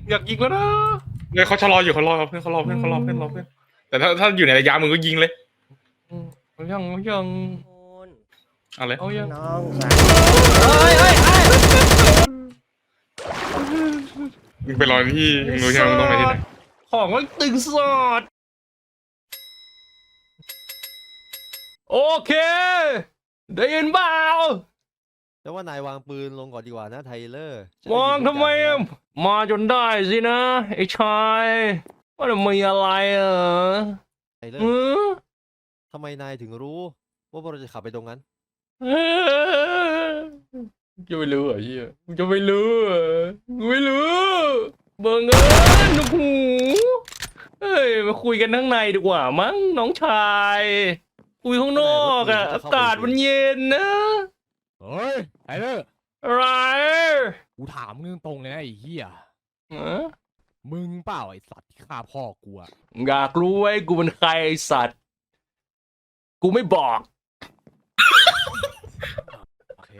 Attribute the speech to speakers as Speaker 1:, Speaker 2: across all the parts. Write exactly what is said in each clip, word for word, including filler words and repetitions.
Speaker 1: อยากยิงแล้วนะ
Speaker 2: เนี่ยเขาชะลออยู่เขารอเพื่อนเขารอเพื่อนเขารอเพื่อนรอเพื่อนแต่ถ้าถ้าอยู่ในระยะมึงก็ยิงเลย
Speaker 1: เอายังเอายัง
Speaker 2: เอาเลย
Speaker 1: เอายัง
Speaker 3: น้องสาวเฮ้ยเฮ้ยเฮ้ย
Speaker 2: มึงไปรอที่มึงรู้ใช่ไหมมึงต้องไปที่ไหน
Speaker 1: ของมันตึงสดโอเคได้ยินเปล่า
Speaker 3: แต่ว่านายวางปืนลงก่อนดีกว่านะไทเลอร์
Speaker 1: วางทำไมอะมาจนได้สินะไอ้ชายว่าจะมีอะไรอ่ะ
Speaker 3: ไทเลอ
Speaker 1: อื
Speaker 3: ร์
Speaker 1: อ
Speaker 3: ทำไมนายถึงรู้ว่าพวกเราจะขับไปตรงนั้น
Speaker 1: จะไม่รู้เหรอเฮียจะไม่รู้เหรอไม่รู้เบิ่งเอิญโอ้โหเฮ้ยมาคุยกันข้างในดีกว่ามั้งน้องชายคุยข้างนอกอะอากาศมันเย็นนะ
Speaker 4: เฮ้ยไทเลอร์
Speaker 1: อะไร
Speaker 4: กูถามมึงตรงๆเลยนะไอ้เหี้ย
Speaker 1: ฮะ
Speaker 4: มึงเปล่าไอ้สัตว์ที่ฆ่าพ่อกูอะ
Speaker 1: อยากรู้ไว้กูเป็นใครไอ้สัตว์ กูไม่บอก
Speaker 4: โอเค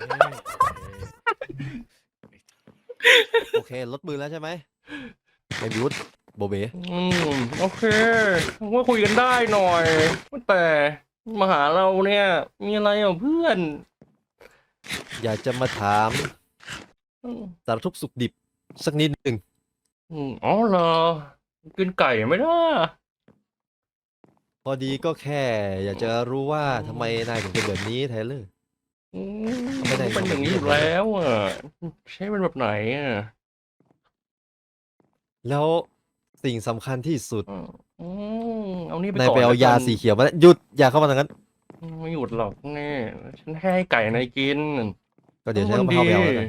Speaker 3: โอเคลดมือแล้วใช่ไหมไอ้บิวต์โบเบ๋
Speaker 1: อืมโอเคว่าคุยกันได้หน่อยแต่มาหาเราเนี่ย มีอะไรอ่ะเพื่อน
Speaker 3: อยากจะมาถาม
Speaker 1: อืม
Speaker 3: สารทุกข์สุขดิบสักนิดหนึ่ง
Speaker 1: อืมอ๋อเหรอกินไก่ไหมล่ะ
Speaker 3: พอดีก็แค่ อยากจะรู้ว่าทำไมนายถึงเป็นแบบนี้ไทเลอร์
Speaker 1: อืม
Speaker 3: ไม่ได้
Speaker 1: เป็นอย่างนี้อยู่แล้วอ่ะใช่เป็นแบบไหนอ่ะ
Speaker 3: แล้วสิ่งสำคัญที่สุด
Speaker 1: อืมอืมเอานี่ไป
Speaker 3: นาย
Speaker 1: ก่อน
Speaker 3: ไปเอา
Speaker 1: แล้ว
Speaker 3: ยา
Speaker 1: กัน
Speaker 3: สีเขียวมาหยุดอย่าเข้ามาทางนั้น
Speaker 1: ไม่หยุดหรอกแน่ฉันให้ไก่นายกิน
Speaker 3: ก็เดี๋ยวฉันก็เข้าไปเอาแล้วกัน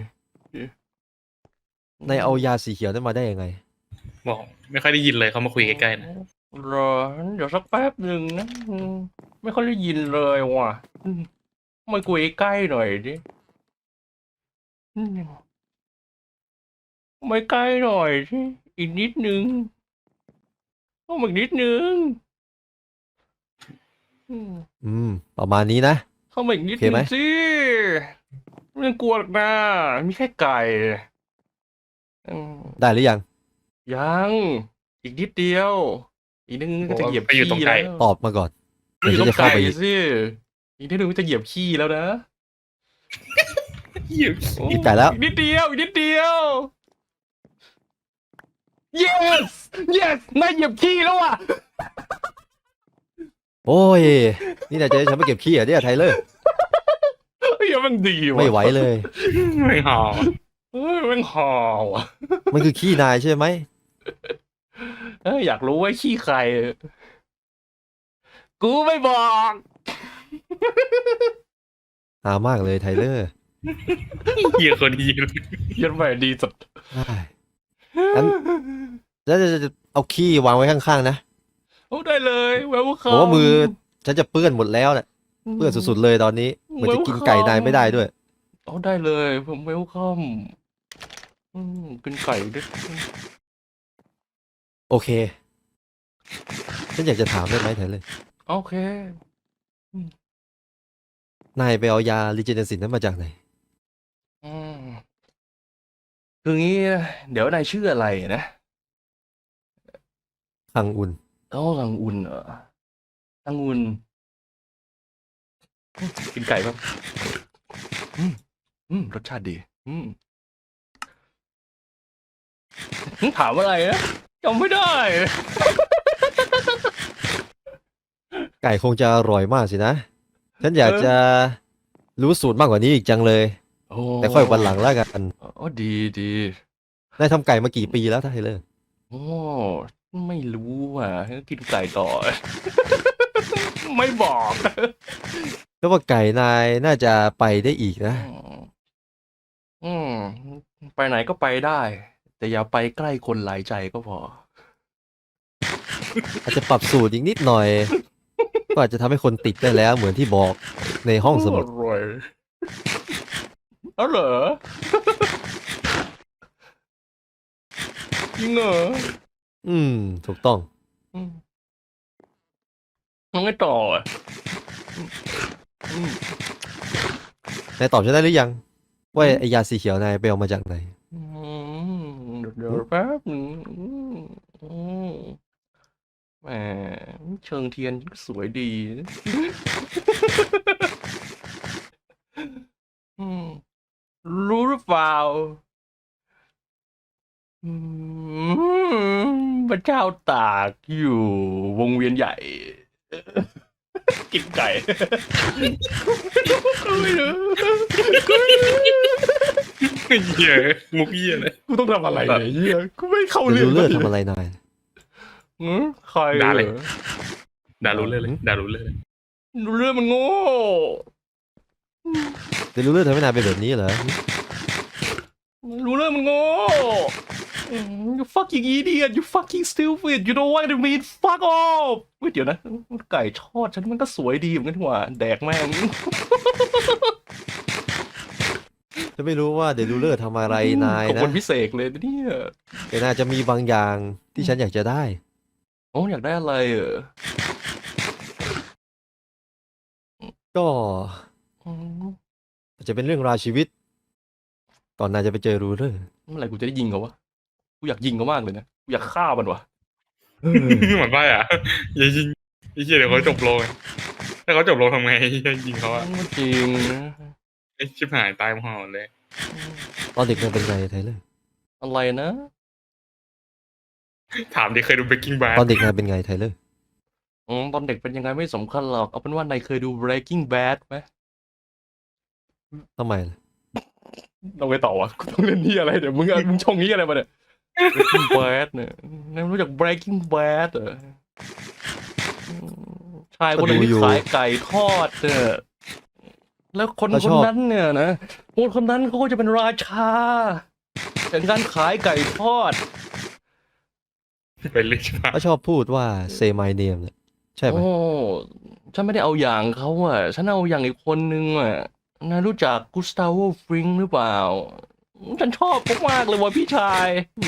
Speaker 3: นายเอายาสีเขียวนั้นมาได้ยังไง
Speaker 2: บอกไม่ค่อยได้ยินเลยเขามาคุยใกล้ๆนะ
Speaker 1: รอเดี๋ยวสักแป๊บหนึ่งนะอืมไม่ค่อยได้ยินเลยว่ะอืมมาคุยใกล้หน่อยดิอืมมาใกล้หน่อยสิอีกนิดนึงต้องอีกนิดนึงอืม
Speaker 3: อืม ประมาณนี้นะ
Speaker 1: เข้ามาอีกนิด
Speaker 3: โอเค
Speaker 1: นึ
Speaker 3: ไหม
Speaker 1: งสิไม่ต้องกลัวหรอกนะมีแค่ไก่อืม
Speaker 3: ได้หรือยัง
Speaker 1: ยังอีกนิดเดียว อีกนิดนึงก็จะเหยียบ
Speaker 2: ไปอยู่ตรง
Speaker 1: ขี้
Speaker 2: ไก่
Speaker 1: แล้ว
Speaker 3: ตอบมาก่อน
Speaker 1: ไม่อยู่
Speaker 3: เดี๋
Speaker 1: ต
Speaker 3: ยว
Speaker 1: ร
Speaker 3: ฉัน
Speaker 1: ง
Speaker 3: จะเข้า
Speaker 1: ไก่
Speaker 3: ไปอีก
Speaker 1: สิอีกนิดนึงก็จะเหยียบขี้แล้วนะ
Speaker 2: อยู่
Speaker 1: โอ้
Speaker 3: อีกไก่แล้ว
Speaker 1: อีกนิดเดียวอีกนิดเดียว yes yes นายเหยียบขี้แล้วอ่ะ
Speaker 3: โอ้ย นี่นายจะให้ฉันไปเก็บขี้เหรอเนี่ยไทเลอร์
Speaker 1: เฮ้ยมันดีว่ะ
Speaker 3: ไม่ไหวเลย
Speaker 2: ไม่หอ
Speaker 1: เฮ้ยมันหอว่ะ
Speaker 3: มันคือขี้นายใช่ไหม
Speaker 1: เอ้ยอยากรู้ว่าขี้ใคร กูไม่บอก
Speaker 3: หามากเลยไทเลอร์
Speaker 2: เหี้ยคนดีเลย
Speaker 1: ยันใหม่ดีสุด
Speaker 3: ได้งั้นแล้วจะจะเอาขี้วางไว้ข้างๆนะ
Speaker 1: โอ้ได้เลยแวว
Speaker 3: บ
Speaker 1: เขา
Speaker 3: อกว่ามือฉันจะเปื้อนหมดแล้วเนี่ยเปื้อนสุดๆเลยตอนนี้เหมือนจะกินไก่นายไม่ได้ด้วย
Speaker 1: ๆเอาได้เลยผมเวลคัมอืมกินไก่ด้วย
Speaker 3: โอเค ฉันอยากจะถามได้ไหมไทเลอร์
Speaker 1: โอเค
Speaker 3: นายไปเอายาลิเจเนซินนั้นมาจากไหน
Speaker 1: อืมคืองี้นะเดี๋ยวนายชื่ออะไรนะ
Speaker 3: คังอุน
Speaker 1: เอ้าลังอุ่นเหรอลังอุ่นอืมกินไก่ป่ะอืมอืมรสชาติดี อืมอืมถามอะไรนะจำไม่ได้
Speaker 3: ไก่คงจะอร่อยมากสินะ ฉันอยากจะรู้สูตรมากกว่านี้อีกจังเลย
Speaker 1: โอ้
Speaker 3: แต่ค่อยวันหลังแล้วกัน
Speaker 1: อ๋อดีดี
Speaker 3: นายทำไก่มากี่ปีแล้วไทเลอร์
Speaker 1: โอ้ไม่รู้อ่ะกินไก่ต่อ ไม่บอก
Speaker 3: แล้วว่าไก่นายน่าจะไปได้อีกนะ
Speaker 1: อืมไปไหนก็ไปได้ แต่อย่าไปใกล้คนหลายใจก็พอ
Speaker 3: อาจจะปรับสูตรอีกนิดหน่อย ก็อาจจะทำให้คนติดได้แล้วเหมือนที่บอกในห้องสมุด
Speaker 1: อร่อยเอาเหรอจริงเหรอ
Speaker 3: อืม ถูกต้อง
Speaker 1: อืมมันไม่ต่ออ่ะอืม
Speaker 3: นายตอบฉันได้หรือยัง ว่าไอยาสีเขียวนายไปเอามาจากไหน
Speaker 1: อืมเดี๋ยวเดี๋ยวแป๊บหนึงอืมอืมแหมเชิงเทียนก็สวยดีนะอืมรู้หรือเปล่าอืมพระเจ้าตากอยู่วงเวียนใหญ่ กินไก่กูไม่รู้กูไม่รู้
Speaker 2: เหี้ยมุกเหี้ยเลย
Speaker 1: กูต้องทำอะไรเนี่ยเฮียกูไม่เข้า
Speaker 3: เด
Speaker 1: เรื่อ
Speaker 3: ลู
Speaker 1: ง
Speaker 3: เลอร์
Speaker 1: สัก
Speaker 3: ทำ
Speaker 1: ที
Speaker 3: อะไรนาย
Speaker 1: หือใคร
Speaker 2: ด่าเลย
Speaker 1: หรอ
Speaker 2: ด่ารู้เลยเลยด่ารู้เลยเลย
Speaker 1: เรื่องมันโง่
Speaker 3: เดลูเลอร์ทำให้นายเป็นแบบนี้เหรอ
Speaker 1: รู้เรื่องมันโง่อืม you fucking idiot you fucking stupid you know what I mean fuck off เฮ้ยเดี๋ยวนะไก่ทอดฉันมันก็สวยดีเหมือนกันนี่หว่าแดกแม่ง
Speaker 3: จะไม่รู้ว่าเดลูเลอร์ทำอะไรนาย
Speaker 1: ขอบ
Speaker 3: นะ
Speaker 1: คุณพิเศษเลยนะเนี่ย
Speaker 3: แต่นายจะมีบางอย่างที่ฉันอยากจะได้
Speaker 1: โอ้อยากได้อะไรเออ
Speaker 3: ก็
Speaker 1: อืม
Speaker 3: อาจจะเป็นเรื่องราวชีวิต ก่อนนายจะไปเจอรูเลอร์
Speaker 1: เมื่อไหร่กูจะได้ยิงเขาวะกูอยากยิงเขามากเลยนะกูอยากฆ่ามันวะ
Speaker 2: เหมือนว่าอ่ะอย่ายิงไอ้เหี้ยเดี๋ยวเขาจบโลงถ้าเขาจบโลงทำไงไอ้เหี้ยยิงเขาอ่ะ
Speaker 1: มันจริงนะ
Speaker 2: ไอ้ชิบหายตายหมดเลย
Speaker 3: ตอนเด็กนายเป็นไงไทเลอร์
Speaker 1: อะไรนะ
Speaker 2: ถามดิเคยดูเบกกิ้งบาร์
Speaker 3: ตอนเด็กนายเป็นไงไทเลอร์
Speaker 1: อืมตอนเด็กเป็นยังไงไม่สำคัญหรอกเอาเป็นว่านายเคยดู Breaking Bad ไหม
Speaker 3: ทำไมล่ะ
Speaker 1: ต้องไปต่อวะกูต้องเล่นนี่อะไรเดี๋ยวมึงอะมึงชงนี้อะไรมาเนี่ย Breaking Bad เนี่ยนายรู้จัก Breaking Bad เหรออืมชายคนหนึงที่ขายไก่ทอดเนี่ยแล้วคนคนนั้นเนี่ยนะคนคนนั้นเขาก็จะเป็นราชาแห่งการขายไก่ทอด
Speaker 2: เป็นลิชมา
Speaker 3: เขาชอบพูดว่า say my name เนี่ยใช่ไหม
Speaker 1: โอ้ฉันไม่ได้เอาอย่างเขาอ่ะ ฉันเอาอย่างอีกคนนึงอ่ะนายรู้จักกุสตาโวฟริงหรือเปล่า ฉันชอบมากๆเลยว่ะพี่ชาย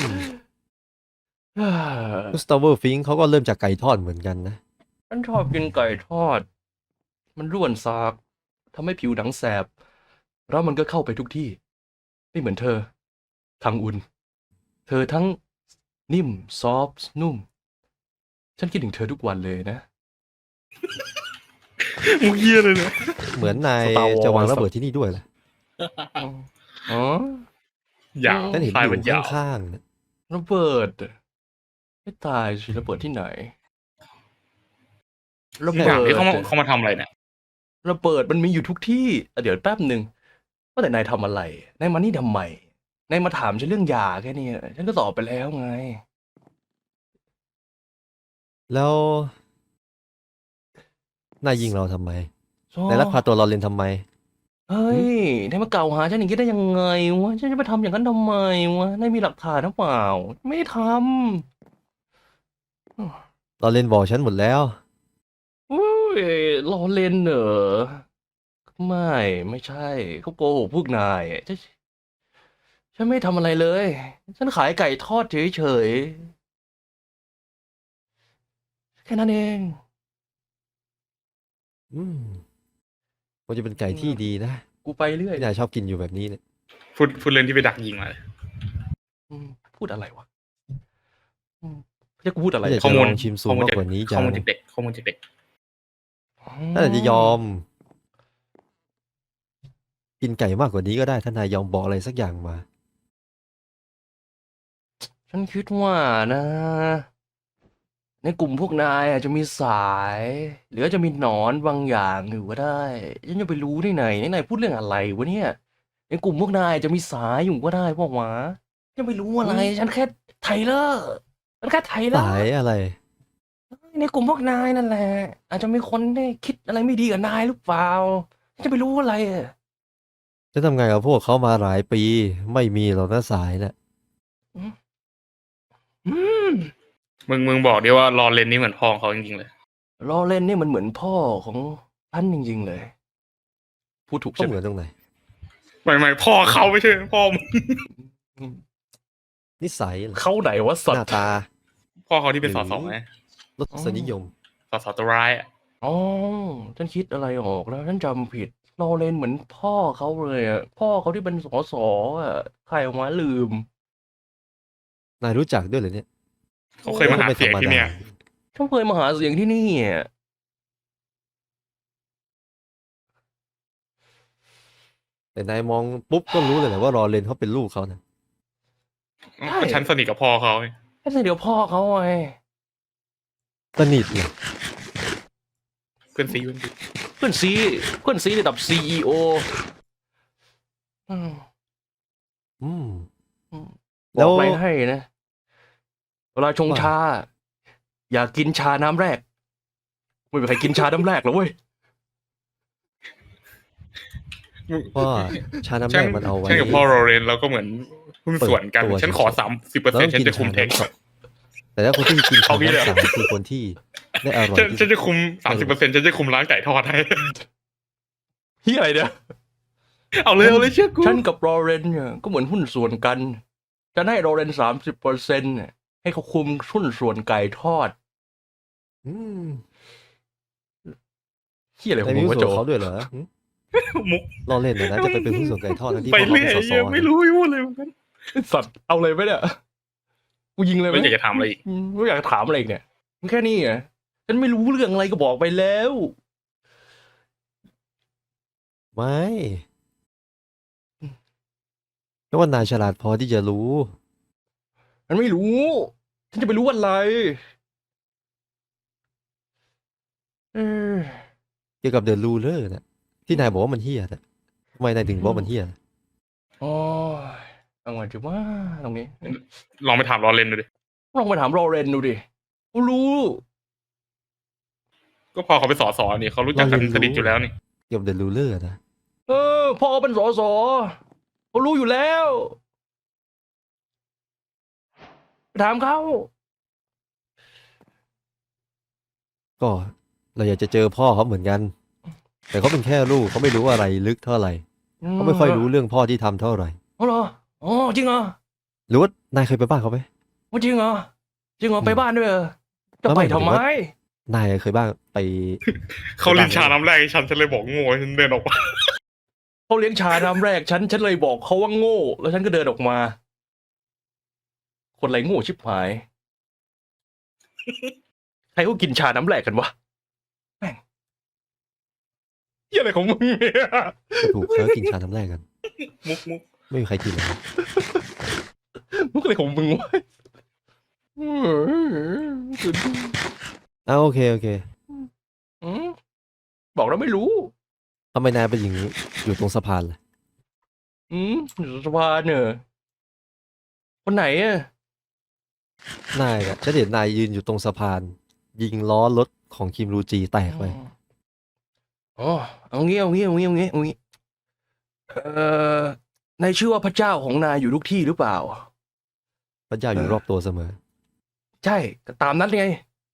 Speaker 3: กุสตาโวฟิงค์เขาก็เริ่มจากไก่ทอดเหมือนกันนะ
Speaker 1: ฉันชอบกินไก่ทอด มันร่วนซากทำให้ผิวหนังแสบ แล้วมันก็เข้าไปทุกที่ ไม่เหมือนเธอ คังอุน เธอทั้งนิ่ม ซอฟต์ นุ่ม ฉันคิดถึงเธอทุกวันเลยนะ
Speaker 2: มุกเหี้ยเลยเลย
Speaker 3: เหมือนนาย
Speaker 1: Star Wars
Speaker 3: จะวางระเบิดที่นี่ด้วยล่ะ
Speaker 1: อ๋อ
Speaker 2: ยาว
Speaker 3: ฉันเห็น
Speaker 2: ปลาย
Speaker 3: อ
Speaker 2: มัน
Speaker 3: ยู่
Speaker 2: ยาว
Speaker 3: ข้างๆเนี่ย
Speaker 1: ระเบิดไม่ตายสิระเบิดที่ไหน ระ
Speaker 2: ถา
Speaker 1: เบิ
Speaker 2: ม
Speaker 1: ด
Speaker 2: ที่เขามาเขามาทำอะไรเนี่ย
Speaker 1: ระเบิดมันมีอยู่ทุกที่อ่ะเดี๋ยวแป๊บหนึ่งว่าแต่นายทำอะไรนายมานี่ทำไมนายมาถามฉันเรื่องยาแค่นี้ฉันก็ตอบไปแล้วไง
Speaker 3: แล้วนายยิงเราทำไม
Speaker 1: ชอบ
Speaker 3: นายลักพาตัวเราเล่นทำไม
Speaker 1: เฮ้ยนายมากล่าวหาฉันอย่างนี้ได้ยังไงวะฉันจะไปทำอย่างนั้นทำไมวะนายมีหลักฐานหรือเปล่า ไม่ได้ท
Speaker 3: เราเล่นบอกฉันหมดแล้ว
Speaker 1: ำอุ้ยล้อเล่นเหรอไม่ไม่ใช่เขาโกหกพวกนายฉันฉันไม่ทำอะไรเลย ฉันขายไก่ทอดเฉยๆแค่นั้นเอง
Speaker 3: อืมมันจะเป็นไก่ที่ดีนะ
Speaker 1: กูไปเรื่อย
Speaker 3: ที่นายชอบกินอยู่แบบนี้เนี่ย
Speaker 2: พูดพูดเรื่องที่ไปดักยิงมาเลย
Speaker 1: อืมพูดอะไรวะอืมจะกูพูดอะไร
Speaker 3: ถ้าอยาก
Speaker 2: ข้อ
Speaker 3: จะ
Speaker 2: มู
Speaker 3: ล
Speaker 2: ล
Speaker 3: องชิมซู
Speaker 2: ข้อ
Speaker 3: ม
Speaker 2: มูล
Speaker 3: มาก
Speaker 2: จาก
Speaker 3: กว่านี้
Speaker 2: ข้
Speaker 3: จั
Speaker 2: อง มูลจากเด็กข้อมูลจากเด็ก
Speaker 3: ถ้านายจะยอม กินไก่มากกว่านี้ก็ได้ ถ้านายยอมบอกอะไรสักอย่างมา
Speaker 1: ฉันคิดว่านะ ในกลุ่มพวกนายอาจจะมีสาย หรืออาจจะมีหนอนบางอย่างอยู่ก็ได้ฉันจะไปรู้ได้ไงนี่นายพูดเรื่องอะไรวะเนี่ยในกลุ่มพวกนายอาจจะมีสายอยู่ก็ได้พวกหวะฉันไม่รู้อะไร ฉันแค่ไทเลอร์ฉันแค่ไทเลอ
Speaker 3: สาย
Speaker 1: ร์
Speaker 3: อะไร
Speaker 1: ในกลุ่มพวกนายนั่นแหละ อาจจะมีคนได้คิดอะไรไม่ดีกับนายหรือเปล่าฉันจะไปรู้อะไรอะ
Speaker 3: จะทำไงกับพวกเขามาหลายปี ไม่มีหรอกนะสายน่ะ
Speaker 1: อืม
Speaker 2: มึงมึงบอกดิว่ารอเลนนี่เหมือนพ่อของเขาจริงๆเลย
Speaker 1: ลอเรนนี่มันเหมือนพ่อของท่านจริงๆเลย พูดถูก
Speaker 3: ก็
Speaker 1: ใช่
Speaker 3: เห
Speaker 1: ไหม
Speaker 3: มือนตรงไหน
Speaker 2: ไม่ไม่พ่อเขาไม่ใช่พ่อมึง
Speaker 1: อืม
Speaker 3: นิสัยเหรอ
Speaker 1: เขาไหนวะสั
Speaker 3: ห
Speaker 1: ต
Speaker 3: น้า
Speaker 1: ว์
Speaker 3: ตา
Speaker 2: พ่อเขาที่เป็นส
Speaker 3: หรือ
Speaker 2: สไง
Speaker 3: รสนิยม
Speaker 2: สสตัวร้ายอะ
Speaker 1: อ๋อฉันคิดอะไรออกแล้วฉันจำผิดลอเรนเหมือนพ่อเขาเลยอ่ะพ่อเขาที่เป็นสสอ่ะใครออกมาลืม
Speaker 3: นายรู้จักด้วยเหรอเนี่ย
Speaker 2: เขาเคยมาหาเสียงที่เนี่ย
Speaker 1: เขาเคยมาหาเสียงที่นี่อะ
Speaker 3: แต่นายมองปุ๊บก็รู้เลยแหละว่ารอเลนเขาเป็นลูกเขานะ
Speaker 2: ก็ฉันสนิทกับพ่อเขาไง
Speaker 1: แค่เดี๋ยวพ่อเขาไง
Speaker 3: สนิทเลย
Speaker 2: เพื่อนซีเพื่อนซี
Speaker 1: เพื่อนซีเพื่อนซีระดับซีอีโออืม
Speaker 3: อืม
Speaker 1: บ
Speaker 3: แล้
Speaker 1: อก
Speaker 3: ว
Speaker 1: อะไรให้นะเวลาชงชา อย่ากินชาน้ำแรกไม่มีใครกินชาน้ำแรกหรอกเว้ย
Speaker 3: ว่าชาน้ำ
Speaker 2: ฉั
Speaker 3: แร
Speaker 2: น
Speaker 3: กมันเอาไว้
Speaker 2: ฉันกับพ่อโรเรนเราก็เหมือนหุ้นส่วนกัน
Speaker 3: เปิดตัว
Speaker 2: ฉันขอสามสิบเปอร์
Speaker 3: เรา
Speaker 2: เซ็น
Speaker 3: ต้อ
Speaker 2: ต์
Speaker 3: ง
Speaker 2: ฉัน
Speaker 3: กิน
Speaker 2: จะคุม
Speaker 3: ชา
Speaker 2: เทค
Speaker 3: น้ำสองแต่ถ้าคนที่กินชา
Speaker 2: เอางี้เลย
Speaker 3: น้ำสามคือคนที่ได้อร่อย
Speaker 2: ฉัน
Speaker 3: ที่
Speaker 2: ฉันจะคุมสามสิบเปอร์เซ็นต์ฉันจะคุมร้านไก่ทอดให้
Speaker 1: เฮียอะไรเนี่ย
Speaker 2: เอาเลยเอาเลยเชื่อกู
Speaker 1: ฉันกับโรเรนเนี่ยก็เหมือนหุ้นส่วนกันจะให้โรเรนสามสิบเปอร์เซ็นต์ให้เขาคุมหุ้นส่วนไก่ทอด
Speaker 3: อืม
Speaker 1: เฮียอะไรข
Speaker 3: นา
Speaker 1: อย ง
Speaker 3: มี
Speaker 1: มึง
Speaker 3: หุ้น
Speaker 1: วะ
Speaker 3: ส่
Speaker 1: โจ
Speaker 3: วนเขาด้วยเหรอหึ
Speaker 2: มุก
Speaker 3: รอเล่นนะนะจะไปเป็นหุ้นส่วนไก่ทอดทั้งที่
Speaker 2: ไป
Speaker 3: พ่อเขา
Speaker 2: เรื่
Speaker 3: เป็
Speaker 2: อน ย
Speaker 3: สส
Speaker 2: ไม่รู้ไม่รู้เลยเหมือนกัน
Speaker 1: สัตว์เอาเลยไหมเนี่ยกูยิงเลยไหม
Speaker 2: ไม่อยากจะถามอะไรอีก
Speaker 1: อืมไม่อยากถามอะไรอีกเนี่ยมันแค่นี้ไงฉันไม่รู้เรื่องอะไรก็บอกไปแล้ว
Speaker 3: ไม่ก็ว่านายฉลาดพอที่จะรู้
Speaker 1: มันไม่รู้ ฉันจะไปรู้อะไรเออ
Speaker 3: เกี่ยวกับเดอะรูเลอร์นะที่นายบอกว่ามันเฮี้ยนะทำไมนายถึงบอกว่ามันเฮี้ยนะ
Speaker 1: โอ้ยเอาไงดีว่าตรงนี้
Speaker 2: ลองไปถามรอเรนดูดิ
Speaker 1: ลองไปถามโรเรนดูดิกูรู้
Speaker 2: ก็พอเขาไปสอสอนี่เขารู้จักกันสนิทอยู่แล้วนี่
Speaker 3: เกี่ยวกับเดอะรูเลอร์นะ
Speaker 1: เออพ่อเป็นสสเขารู้อยู่แล้วไปถามเขา
Speaker 3: ก็เราอยากจะเจอพ่อเขาเหมือนกัน แต่เขาเป็นแค่ลูกเขาไม่รู้อะไรลึกเท่าไหร่เขาไม่ค่อยรู้เรื่องพ่อที่ทำเท่าไหร่
Speaker 1: อ๋อเหรออ๋อจริงเหรอ
Speaker 3: หรือว่านายเคยไปบ้านเขาไหม
Speaker 1: ว่าจริงเหรอจริงเหรอไปบ้านด้วยเหรอจะ
Speaker 3: ไม่
Speaker 1: ไป
Speaker 3: ไม่
Speaker 1: ทำไม
Speaker 3: หมายถึงว่า นายเคยบ้างไป
Speaker 2: เขาลินชาน้ำแรกให้ฉันฉันเลยบอกโง่ฉันเดินออกมา
Speaker 1: เขาเลี้ยงชาน้ำแรกฉันฉันเลยบอกเขาว่าโง่ แล้วฉันก็เดินออกมา คนไรโง่ชิบหาย ใครก็กินชาน้ำแรกกันวะแม่งเหี้ยอะไรของมึงเนี่ย
Speaker 3: ก็ถูกเขากินชาน้ำแรกกัน
Speaker 2: มุกมุก
Speaker 3: ไม่มีใครกินเลย
Speaker 1: มุกอะไรของมึงวะ
Speaker 3: อ้าวโอเคโอเค
Speaker 1: อืมบอกแล้วไม่รู้
Speaker 3: ทำไมนายเป็นอย่างนี้อยู่ตรงสะพานล่ะ
Speaker 1: อืมอยู่สภาเนอะคนไหนอะ
Speaker 3: นายอะฉันเห็นนายยืนอยู่ตรงสะพาน ยิงล้อรถของคิมรูจีแตกไป
Speaker 1: อ๋อเอางี้เอางี้เอางี้เอางี้เอางี้เอ่อนายเชื่อว่าพระเจ้าของนายอยู่ทุกที่หรือเปล่า
Speaker 3: พระเจ้าอยู่รอบตัวเสมอ
Speaker 1: ใช่ก็ตามนั้นไง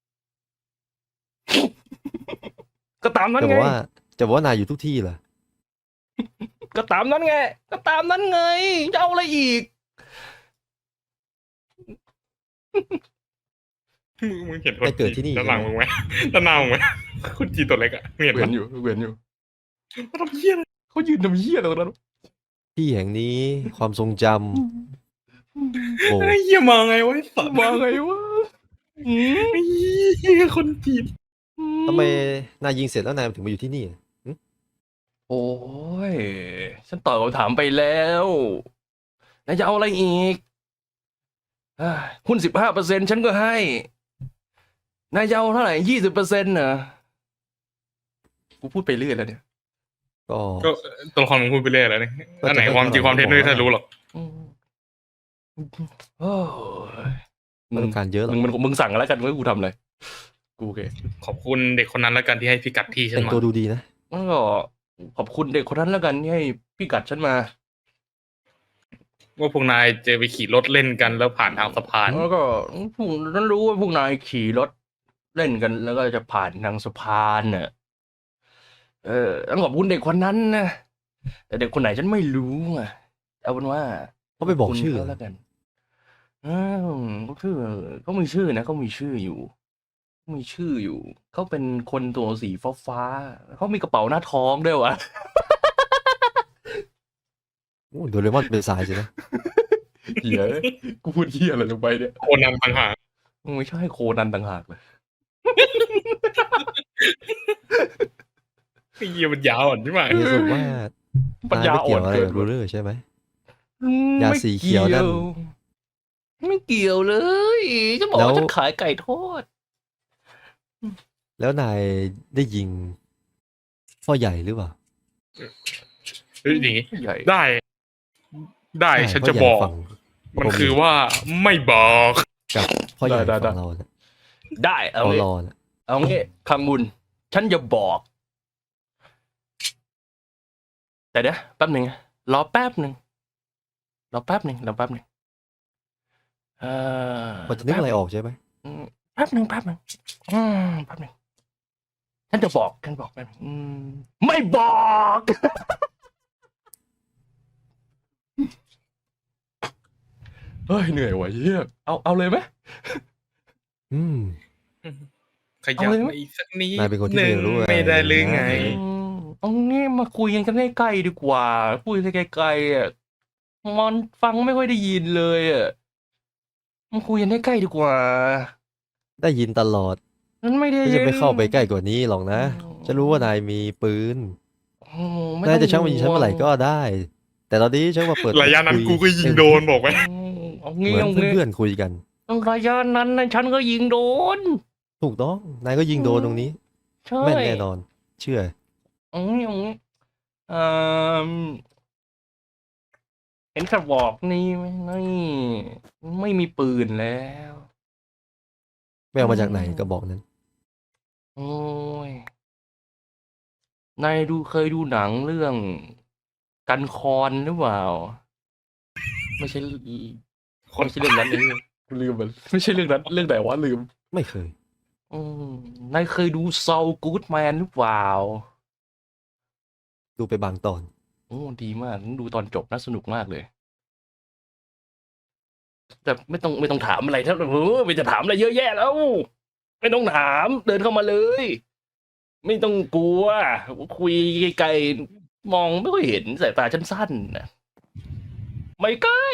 Speaker 1: ก็ตามนั้น
Speaker 3: จะบ
Speaker 1: ไง
Speaker 3: อกว่าจะบอกว่านายอยู่ทุกที่เหรอ
Speaker 1: ก็ตามนั้นไง ก็ตามนั้นไงจะเอาอะไรอีก
Speaker 2: มึงมึงเห็นคน
Speaker 3: ไปเกิดที่นี่
Speaker 2: ด้านหลังมึงไหมด้านหน้ามึงไหมคุณจีนตัวเล็กอะมึงเห็น
Speaker 1: เวีย
Speaker 2: ปะ
Speaker 1: นอยู่เวียนอยู่
Speaker 2: เขาทำเหี้ยอะไร
Speaker 1: เขายืนทำเหี้ยอะไรตรงนั้น
Speaker 3: ที่แห่งนี้ความทรงจำโอ้
Speaker 2: ไอ้เหี้ยมาไงวะไอ้สัตว์
Speaker 1: มาไงวะอืม
Speaker 2: ไอ้เหี้ยคนจีน
Speaker 3: ทำไมนายยิงเสร็จแล้วนายถึงมาอยู่ที่นี่
Speaker 1: โอ้ย ฉันตอบคำถามไปแล้วนายจะเอาอะไรอีกอ่าหุ้นสิบห้าเปอร์เซ็นฉันก็ให้นายจะเอาเท่าไหร่ยี่สิบเปอร์เซ็นต์น่ะกูพูดไปเรื่อยแล้วเนี่ย
Speaker 3: ก็
Speaker 2: ก็ตัวละครมึงพูดไปเรื่อยแล้วนี่
Speaker 3: ก็จะ
Speaker 2: อันไหนความจริงความเท็จไม่มีใครรู้หรอก
Speaker 1: อืมโอ้ย
Speaker 3: ไม่ต้องการเยอะหรอก
Speaker 1: มึงมึงมึงสั่งแล้วกันว่ากูทำอะไรกูโอเค
Speaker 2: ขอบคุณเด็กคนนั้นแล้วกันที่ให้พิกัดที่ฉัน
Speaker 3: แต่ง
Speaker 2: มา
Speaker 3: ตัวดูดีนะ
Speaker 1: แล้วก็ขอบคุณเด็กคนนั้นแล้วกันที่ให้พี่กัดฉันมา
Speaker 2: ว่าพวกนายจะไปขี่รถเล่นกันแล้วผ่านทางสะพาน
Speaker 1: แล้วก็พวกฉันรู้ว่าพวกนายขี่รถเล่นกัน แล้วก็จะผ่านทางสะพานเน่ะเออต้องขอบคุณเด็กคนนั้นนะแต่เด็กคนไหนฉันไม่รู้อ่ะเอาเป็นว่า
Speaker 3: เขาไปบอกชื่อ
Speaker 1: ขบคุณเขาแล้วกันอ้าวเขาชื่อเขามีชื่อนะเขามีชื่ออยู่เขามีชื่ออยู่เขาเป็นคนตัวสีฟ้าฟ้าๆเขามีกระเป๋าหน้าท้องด้วยวะ
Speaker 3: โอ้โดเรมอนเป็นสายสินะ
Speaker 1: เหี้ยกูพูดเหี้ยอะไรลงไปเนี่ย
Speaker 2: โคนันต่างหาก
Speaker 1: ไม่ใช่โคนันต่างหากเลย
Speaker 2: ไอ้เหี้ยมันยาวอ่อนใช่ไหม
Speaker 3: นี่สรุปว่า
Speaker 1: ปัญญาอ่อน
Speaker 3: นายไม่
Speaker 1: เกิ
Speaker 3: เกี่ยวน อะไรกับรูเลอร์ใช่ไหม
Speaker 1: อืม
Speaker 3: ยา
Speaker 1: ไม่
Speaker 3: สีเขียวนั่น
Speaker 1: ไม่เกี่ยวเลยจะบอก
Speaker 3: แล้ว
Speaker 1: ว่าฉันขายไก่ทอด
Speaker 3: แล้วนายได้ยิงพ่อใหญ่หรือเปล่า
Speaker 2: เฮ้ยอย่างงี้
Speaker 1: ใหญ่
Speaker 2: ได้ ได้
Speaker 3: ใช่
Speaker 2: ฉัน
Speaker 3: พ่อ
Speaker 2: จะ
Speaker 3: ใหญ่
Speaker 2: บอก
Speaker 3: ฝั่ง
Speaker 2: มันคือว่าไม่บอก
Speaker 3: กับพ่อใหญ่
Speaker 1: ได้ได้
Speaker 3: ฝั่งเราเนี่ย
Speaker 1: ได้เอา
Speaker 3: เขา
Speaker 1: งี้
Speaker 3: รอน่ะ
Speaker 1: เอางี้คำบุญฉันจะบอก แต่เดี๋ยวแป๊บหนึ่งรอแป๊บหนึ่งรอแป๊บหนึ่งรอแป๊บหนึ่งเออ
Speaker 3: พอจะนึกอะไรออกใช่ไหม
Speaker 1: อืมแป๊บหนึ่งแป๊บหนึ่งอืมแป๊บหนึ่งฉันจะบอกฉันบอกแป๊บหนึ่งอืมไม่บอก เฮ้ยเหนื่อยว่ะเฮียเอาเอาเลยไหม
Speaker 3: อืม
Speaker 2: ขยับ
Speaker 1: เอาเลยไหม
Speaker 2: มาอีกสักนิด
Speaker 3: นายเป็นคนที่
Speaker 2: หนึ่ง
Speaker 3: ไม่รู้อะไร
Speaker 2: ไม่ได้หรือไง
Speaker 3: นะ
Speaker 1: อืมเอางี้มาคุยกันกันใกล้ๆดีกว่าคุยกันไกลๆอ่ะมันฟังไม่ค่อยได้ยินเลยอ่ะมาคุยกันใกล้ๆดีกว่า
Speaker 3: ได้ยินตลอด
Speaker 1: นั้นไม่ได้
Speaker 3: ไม่
Speaker 1: ยิ
Speaker 3: จะ
Speaker 1: น
Speaker 3: ไปเข้าไปใกล้กว่านี้หรอกนะ
Speaker 1: อืม
Speaker 3: ฉันรู้ว่านายมีปืน
Speaker 1: โอ้ไม่
Speaker 3: นาย
Speaker 1: ต้
Speaker 3: จะชักมายิงฉัน
Speaker 1: ห่ว
Speaker 3: เมื่อไหร่ก็ได้ แต่ตอนนี้ฉันมาเปิด
Speaker 2: ระยะนั้นกูก็ยิงโดนบอกไว้
Speaker 1: อืมเอา
Speaker 3: เห
Speaker 1: งี้
Speaker 3: มือน
Speaker 1: เอางี้
Speaker 3: เพื่อนๆคุยกัน
Speaker 1: ระยะนั้นนะฉันก็ยิงโดน
Speaker 3: ถูกต้อง นายก็ยิงโดนตรงนี้
Speaker 1: ใช่
Speaker 3: แม่นแน่นอน เชื่อ
Speaker 1: เอางี้เอางี้เอ่อเห็นกระบอกนี่ไหมนี่ไม่มีปืนแล้ว
Speaker 3: ไม่เอามาจากไหน
Speaker 1: อืม
Speaker 3: ก็บอกนั้น
Speaker 1: โอ้ยนายดูเคยดูหนังเรื่องกันคอนหรือเปล่า ไม่ใช่
Speaker 2: คน
Speaker 1: ไม่ใช่เรื่องนั้นเลยกูลืมมันไม่ใช่เรื่องนั้น เรื่องไหนวะลืม
Speaker 3: ไม่เคย
Speaker 1: อืมนายเคยดูซ u ลกู o ดแมนหรือเปล่า
Speaker 3: ดูไปบางตอน
Speaker 1: โอ้ดีมากดูตอนจบน่าสนุกมากเลย แต่ไม่ต้องไม่ต้องถามอะไรทั้งเออไม่จะถามอะไรเยอะแยะแล้ว ไม่ต้องถาม เดินเข้ามาเลย ไม่ต้องกลัว คุยไกลๆมองไม่ค่อยเห็นสายตาฉันสั้นนะไม่ใกล้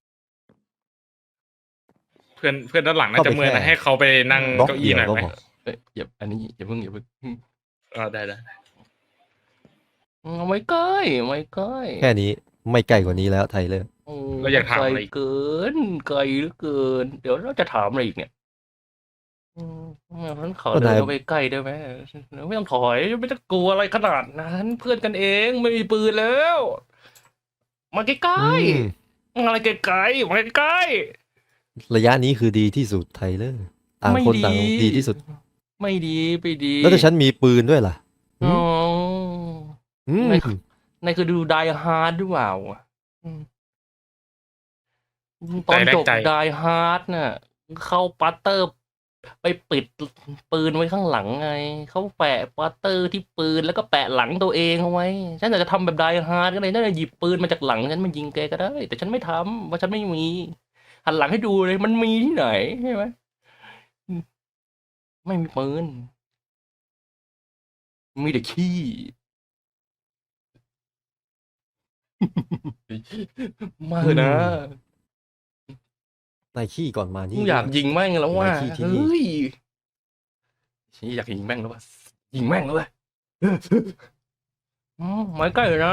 Speaker 2: เพื่อนเพื่อนด้านหลังน่า
Speaker 3: เข้า
Speaker 2: จะ
Speaker 3: ไป
Speaker 2: เมื่อย
Speaker 3: แค่
Speaker 2: นะให้เขาไปนั่ง
Speaker 3: บล็อก
Speaker 2: เก้า
Speaker 3: เดี
Speaker 2: อี้
Speaker 3: ยว
Speaker 2: หน่อย
Speaker 3: ก็
Speaker 2: ไหม
Speaker 3: พอ
Speaker 1: เอ้ยอย่าอันนี้อย่าเพิ่งอย่าเพิ่งอืม
Speaker 2: เออได้ได้
Speaker 1: ไม่ใกล้ไม่ใกล้
Speaker 3: แค่นี้ไม่ไกลกว่านี้แล้วไทเลอร์
Speaker 1: โอ้
Speaker 2: แล้วอยากถาม
Speaker 1: ไกล
Speaker 2: อะไรอีก
Speaker 1: เกินไกลเหลือเกิน เดี๋ยวเราจะถามอะไรอีกเนี่ยอืมฉันขอเดินเข้าไปใกล้ได้ไหมไม่ต้องถอยไม่ต้องกลัวอะไรขนาดนั้นเพื่อนกันเองไม่มีปืนแล้ว มาใกล้
Speaker 3: อืม
Speaker 1: ๆอะไรไกลๆมาใกล้
Speaker 3: ระยะนี้คือดีที่สุดไทเลอร์ต่าง
Speaker 1: ไม่
Speaker 3: คน
Speaker 1: ดี
Speaker 3: ต่างดีที่สุด
Speaker 1: ๆไม่ดีไม่ดี
Speaker 3: แล้วถ้าฉันมีปืนด้วยล่ะ
Speaker 1: อ๋อ
Speaker 3: อืม
Speaker 1: ไม่ นายเคยดูไดฮาร์ดหรือเปล่าอืมตอนจบ
Speaker 2: ใจ
Speaker 1: ไดฮาร์ดน่ะ เข้าปัตเตอร์ ไปปิดปืนไว้ข้างหลังไง เขาแปะปัตเตอร์ที่ปืนแล้วก็แปะหลังตัวเองเอาไว้ ฉันอยากจะทำแบบไดฮาร์ดก็เลยน่าจะหยิบปืนมาจากหลังฉันมายิงแกก็ได้ แต่ฉันไม่ทำเพราะฉันไม่มี หันหลังให้ดูเลยมันมีที่ไหนใช่ไหมอืมไม่มีปืน มีแต่ขี้ มาเถอะนะ
Speaker 3: นายขี้ก่อนมานี่
Speaker 1: กูอยากยิงแม่งแล้วว่า
Speaker 3: ไว้ที่ที่นี่
Speaker 1: เฮ้ยฉันอยากยิงแม่งแล้วว่ายิงแม่งแล้วเว้ยอืมไม่ใกล้นะ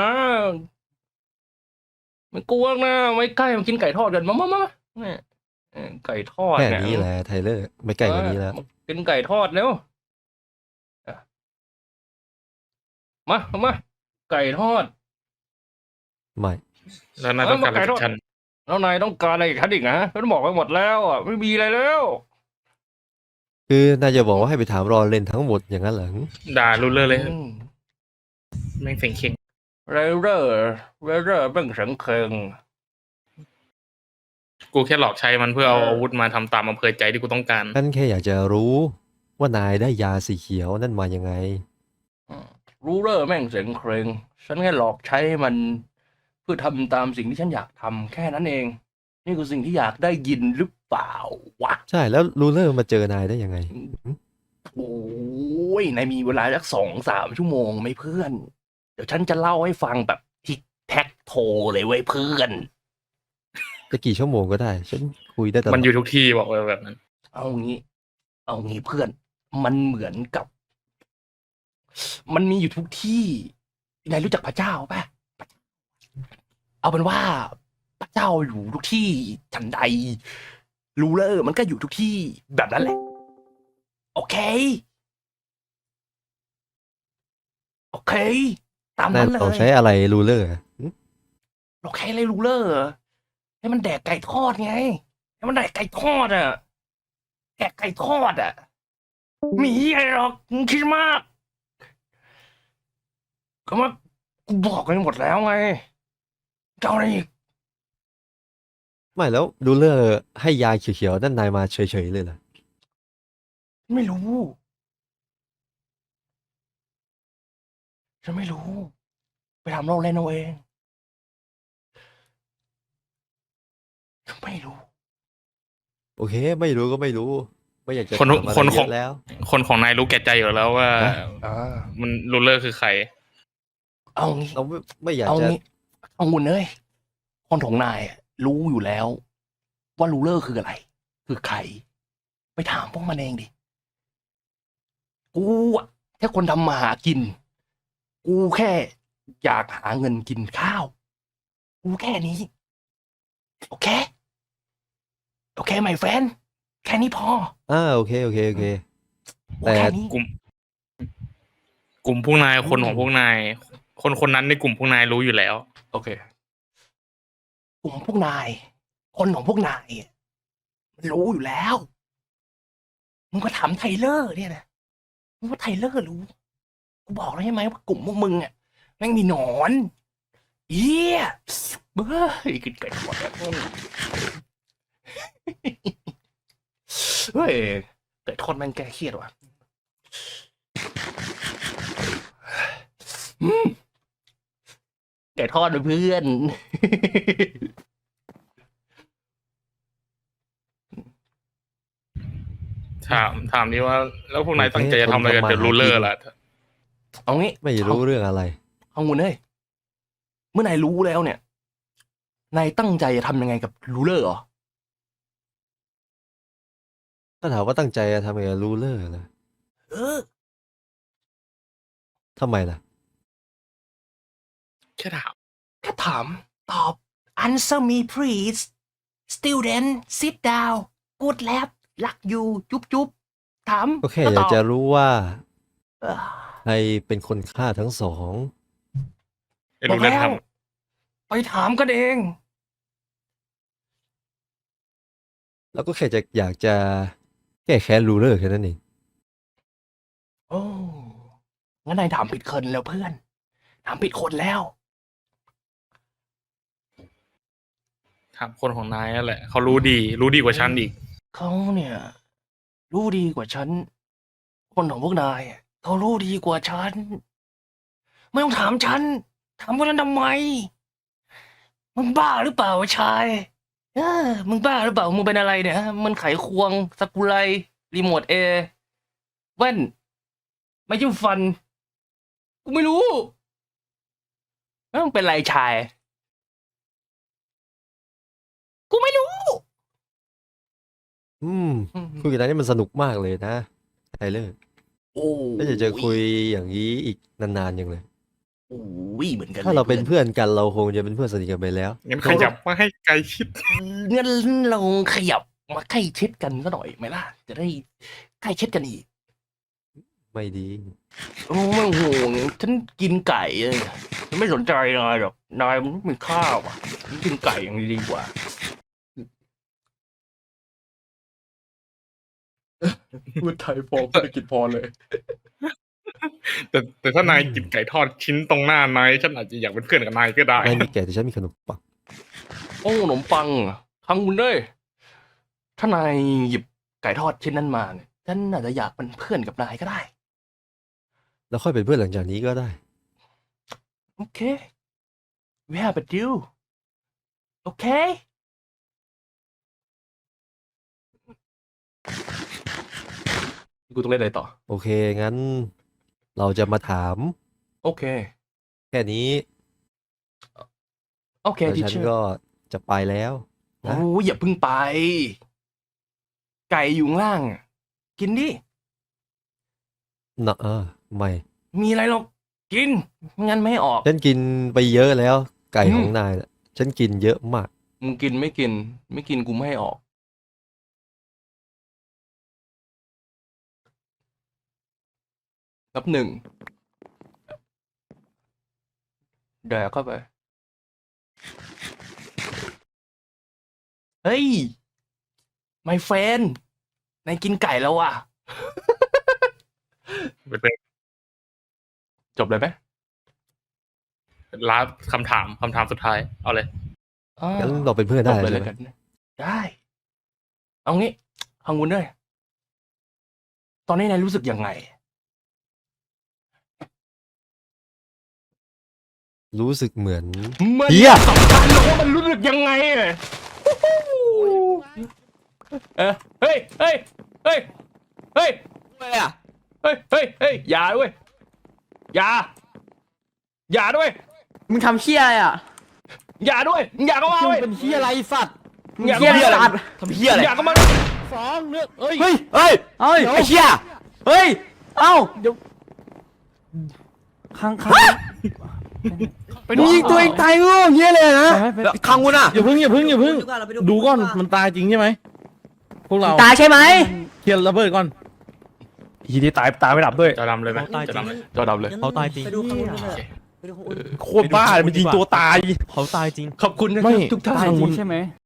Speaker 1: ไม่กลัวนะไม่ใกล้มากินไก่ทอดกันมามามามาเนี่ยเออไก่ทอด
Speaker 3: แค่
Speaker 1: เนี่ย
Speaker 3: นี้แหละไทเลอร์ ไม่ไกลกว่านี้แล้ว
Speaker 1: มากินไก่ทอดแล้วอ่ะมาเอามาไก่ทอด
Speaker 3: ไม่
Speaker 2: แล้วน่าต้องการอะไรจากฉัน
Speaker 1: แล้วนายต้องการอะไรอีกครับอีกนะฉันบอกไปหมดแล้วอ่ะไม่มีอะไรแล้ว
Speaker 3: คือนายจะบอกว่าให้ไปถามรอเล่นทั้งหมดอย่างนั้นเหรอ
Speaker 2: ด่ารู้เรื่องเลย
Speaker 1: อืม
Speaker 2: แม่งเสียงเข่ง
Speaker 1: เรเรอร์เรเรอร์เบิ่งเสียงเคิง
Speaker 2: กูแค่หลอกใช้มันเพื่อเอาอาวุธมาทำตามอำเภอใจที่กูต้องการ
Speaker 3: ฉันแค่อยากจะรู้ว่านายได้ยาสีเขียวนั่นมายังไง
Speaker 1: รูเรอร์แม่งเสียงเครงฉันแค่หลอกใช้มัน เพื่อทำตามสิ่งที่ฉันอยากทำแค่นั้นเอง นี่คือสิ่งที่อยากได้ยินหรือเปล่าวะ
Speaker 3: ใช่แล้วรูเลอร์มาเจอนายได้ยังไง
Speaker 1: โอ้ยนายมีเวลาสักสองสามชั่วโมงไหมเพื่อน เดี๋ยวฉันจะเล่าให้ฟังแบบทิกแท็กโทเลยเว้ยเพื่อน
Speaker 3: จะกี่ชั่วโมงก็ได้ ฉันคุยได้ตลอ
Speaker 2: มัน
Speaker 3: ด
Speaker 2: อยู่ทุกที่บอกเลยแบบนั้น
Speaker 1: เอางี้ เอางี้เพื่อน มันเหมือนกับ มันมีอยู่ทุกที่นายรู้จักพระเจ้าป่ะ เอาเป็นว่าพระเจ้าอยู่ทุกที่ฉันใดรูเลอร์มันก็อยู่ทุกที่แบบนั้นแหละ โอเค โอเค ตาม
Speaker 3: นั่
Speaker 1: นั้น นเล
Speaker 3: เรา
Speaker 1: ย
Speaker 3: ใช้อะไรรูเลอร์
Speaker 1: เราแค่เลยรูเลอร์เหรอให้มันแดกไก่ทอดไง ให้มันแดกไก่ทอดอ่ะ แดกไก่ทอดอ่ะ มีอะไรหรอกมึงคิดมาก ก็มากูบอกกันหมดแล้วไงเจ้าอะไรอีก
Speaker 3: ไม่แล้วรูเลอร์ให้ยาเขียวๆนั่นนายมาเฉยๆเลยเหรอ
Speaker 1: ไม่รู้ ฉันไม่รู้ ไปทำเราเล่นเอาเองฉันไม่รู้
Speaker 3: โอเค ไม่รู้ก็ไม่รู้ ไม่อยากจะ
Speaker 2: คน
Speaker 3: ถามอะไร
Speaker 2: คน
Speaker 3: เย
Speaker 2: ของ
Speaker 3: อะแล้ว
Speaker 2: คนของนายรู้แก่ใจอยู่แล้วว่า
Speaker 3: ฮะ
Speaker 1: อ่า
Speaker 2: มันรูเลอร์คือใคร
Speaker 1: เอางี้
Speaker 3: เราไม่ไม่อยาก
Speaker 1: เอา
Speaker 3: จะ
Speaker 1: งี้เอางุนเอ้ยคนของนายอะรู้อยู่แล้ว ว่ารูเลอร์คืออะไร คือใคร ไปถามพวกมันเองดิ กูอะแค่คนทำมาหากิน กูแค่อยากหาเงินกินข้าว กูแค่นี้ โอเค โอเคไหมแฟน แค่นี้พอ
Speaker 3: อ่าโอเคโอเคโอเค
Speaker 1: กู
Speaker 3: แต่
Speaker 1: แค่นี้
Speaker 2: กลุ่ม กลุ่มพวกนายคนของพวกนาย คนคนนั้นในกลุ่มพวกนายรู้อยู่แล้ว
Speaker 1: โอเค กลุ่มพวกนาย คนของพวกนายอะมันรู้อยู่แล้ว มึงก็ถามไทเลอร์เนี่ยนะ มึงว่าไทเลอร์รู้ กูบอกแล้วใช่ไหมว่ากลุ่มพวกมึงอ่ะแม่งมีหนอนเอี้ยเบ้ยกินไก่ทอดแล้วเฮ้ยไก่ทอดแม่งแก้เครียดว่ะอืมไก่ทอดนะเพื่อน
Speaker 2: ถามถามนี่ว่า แล้วพวกนาย
Speaker 3: โอเค
Speaker 2: ตั้งใจจะทำอะไรกับ
Speaker 3: คน
Speaker 2: เด
Speaker 3: ทำมา
Speaker 2: อะรูเลอ
Speaker 3: หากิ
Speaker 2: ร์
Speaker 3: น
Speaker 2: ล่ะ
Speaker 1: เอางี้
Speaker 3: ไม่รู้เรื่องอะไร
Speaker 1: เอางูเอ้ยเมื่อนายรู้แล้วเนี่ย นายตั้งใจจะทำยังไงกับรูเลอร์เหรอ
Speaker 3: ถ้าถามว่าตั้งใจจะทำไงกับรูเลอร์เหรอ
Speaker 1: เออ
Speaker 3: ทำไมล่ะ
Speaker 2: แค่ถาม
Speaker 1: แค่ถาม ตอบ answer me please student sit down good lab รักอยู่จุ๊บจุ๊บถาม
Speaker 3: ก็แค่
Speaker 1: ล้ว
Speaker 3: อยา
Speaker 1: ต
Speaker 3: ก
Speaker 1: บ
Speaker 3: จะรู้ว่า
Speaker 1: เอ่อ
Speaker 3: ใครเป็นคนฆ่าทั้งสอง
Speaker 2: ไอ้
Speaker 1: บอ
Speaker 2: รู
Speaker 1: ก
Speaker 2: เลอร์
Speaker 1: แล้ว
Speaker 2: ท
Speaker 1: ไปถามกันเอง
Speaker 3: แล้วก็แค่จะอยากจะแก้แค้นรูเลอร์แค่นั้นเอง
Speaker 1: โอ้งั้นนายถามผิดคนแล้วเพื่อน ถามผิดคนแล้ว
Speaker 2: ำถามคนของนายนั่นแหละ เขารู้ดี รู้ดีกว่าฉันอีก
Speaker 1: เขาเนี่ย รู้ดีกว่าฉัน คนของพวกนายอะเขารู้ดีกว่าฉัน ไม่ต้องถามฉัน ถามพวกนั้นทำไม มึงบ้าหรือเปล่าวะชายเออมึงบ้าหรือเปล่า มึงเป็นอะไรเนี่ยฮะมันไขควงสกุไลรีโมทเอแว่น ไม่จิ้มฟัน กูไม่รู้แล้วมึงเป็นไรชาย กูไม่รู้
Speaker 3: อืมคุยกันนี่มันสนุกมากเลยนะไทเลอร์
Speaker 1: โอ้
Speaker 3: แล้วจะเจอคุยอย่างนี้อีกนานๆอย่างเลย
Speaker 1: โอ้ยเหมือนกัน
Speaker 3: ถ้าเราเป็น
Speaker 1: ลย
Speaker 3: เพื่อนกันเราคงจะเป็นเพื่อนสนิทกันไปแล้ว
Speaker 2: งั้นขยับมาให้ไกลชิด
Speaker 1: งั้นเราขยับมาใกล้ชิดกันก็หน่อยไหมล่ะ จะได้ใกล้ชิดกันอีก
Speaker 3: ไม่ดี
Speaker 1: โอ้ไม่ห่วงฉันกินไก่เลยฉันไม่สนใจนายหรอกนายมันมีข้าวอ่ะฉันกินไก่อย่างนี้ดีกว่าพูดไทยพอพูดอังกฤษพอเลย
Speaker 2: แต่แต่ถ้านายกินไก่ทอดชิ้นตรงหน้านายฉันอาจจะอยากเป็นเพื่อนกับนายก็ได้
Speaker 3: นายมีแก่แต่ฉันมีขนมปัง
Speaker 1: โอ้ขนมปังเหรอทางคุณเด้ยถ้านายหยิบไก่ทอดชิ้นนั้นมาเนี่ยฉันอาจจะอยากเป็นเพื่อนกับนายก็ได้
Speaker 3: แล้วค่อยเป็นเพื่อนหลังจากนี้ก็ได้
Speaker 1: โอเค we have a deal โอเค กูต้องเล่นอะไรต่อ
Speaker 3: โอเค งั้น เราจะมาถาม
Speaker 1: โอเค
Speaker 3: แค่นี้
Speaker 1: โอเค
Speaker 3: แล้ว
Speaker 1: ที
Speaker 3: ฉัน
Speaker 1: เชอร์
Speaker 3: ก็จะไปแล้ว
Speaker 1: โอ้ยอย่าเพิ่งไป ไก่อยู่ข้างล่างอะกินดิ
Speaker 3: นะเออไม่
Speaker 1: มีอะไรหรอกกินไม่งั้นไม่ให้ออก
Speaker 3: ฉันกินไปเยอะแล้ว ไก่
Speaker 1: อืม
Speaker 3: ของนายน่ะฉันกินเยอะมาก
Speaker 1: มึงกินไม่กิน ไม่กินกูไม่ให้ออก นับหนึ่งแดกเข้าไป เฮ้ย ไม่แฟนนายกินไก่แล้วอ่ะ
Speaker 2: เป็น
Speaker 1: จบเลยไหม
Speaker 2: ลาสคำถามคำถามสุดท้าย เอาเลย
Speaker 1: อ้าว
Speaker 3: งั้นเราเป็นเพื่อน
Speaker 1: จ
Speaker 3: ได้
Speaker 1: บเลย
Speaker 3: ใช่
Speaker 1: เลย
Speaker 3: ไหม
Speaker 1: กัน ได้ เอางี้ฮังวุนด้วยตอนนี้นายรู้สึกยังไง
Speaker 3: รู้สึกเหมือน
Speaker 1: มัน
Speaker 3: เหี้ย
Speaker 1: สำคัญหรอกว่ามันรู้สึกยังไงอะเออเฮ้ยเฮ้ยเฮ้ยเฮ้ย
Speaker 5: อะไรอ่ะ
Speaker 1: เฮ้ยเฮ้ยเฮ้ยอย่าด้วยอย่าอย่าด้วย
Speaker 5: มึงทำเชี่ยอะไรอ่ะ
Speaker 1: อย่าด้วยอย่าเข้ามาเว้ย
Speaker 4: เป็นเฮียอะไรสัตว์
Speaker 1: อย่า
Speaker 5: เชี่
Speaker 1: เข้าย มา
Speaker 5: อะไรสัตว์ทำเชี่ยอะไร
Speaker 1: อย่าเข้ามา
Speaker 4: สองเนื้อเอ้ย
Speaker 5: เฮ้ยเฮ้ยเฮ้ยไอ้เชี่ยเฮ้ยเอ้า
Speaker 4: เดี๋ยว
Speaker 5: ข้างข้าง
Speaker 1: ไป
Speaker 5: มึงยิงตัวเองตายโง่เงี้ยเลยนะแล้วข้างวุ้นอ่ะ
Speaker 6: อย่าพึ่งอย่าพึ่งอย่าพึ่งดูก่อนมันตายจริงใช่ไหมพวกเรา
Speaker 5: ตายใช่ไหม
Speaker 6: เคลียร์ระเบิดก่อน
Speaker 4: ทีที่ตายตายไม่ดับด้วย
Speaker 2: จะดำเลยไหม
Speaker 7: ตายจ
Speaker 2: จะ
Speaker 7: ริง
Speaker 2: ดำเลย
Speaker 1: จอดำเลย
Speaker 7: เขาตายจริง
Speaker 6: ไปดูข้างบนเลย โคตรบ้ามันยิงตัวตาย
Speaker 7: เขาตายจริง
Speaker 1: ขอบคุณนะค
Speaker 6: ไม่
Speaker 1: รับทุกท่าน
Speaker 5: ตายจริงใช่ไหม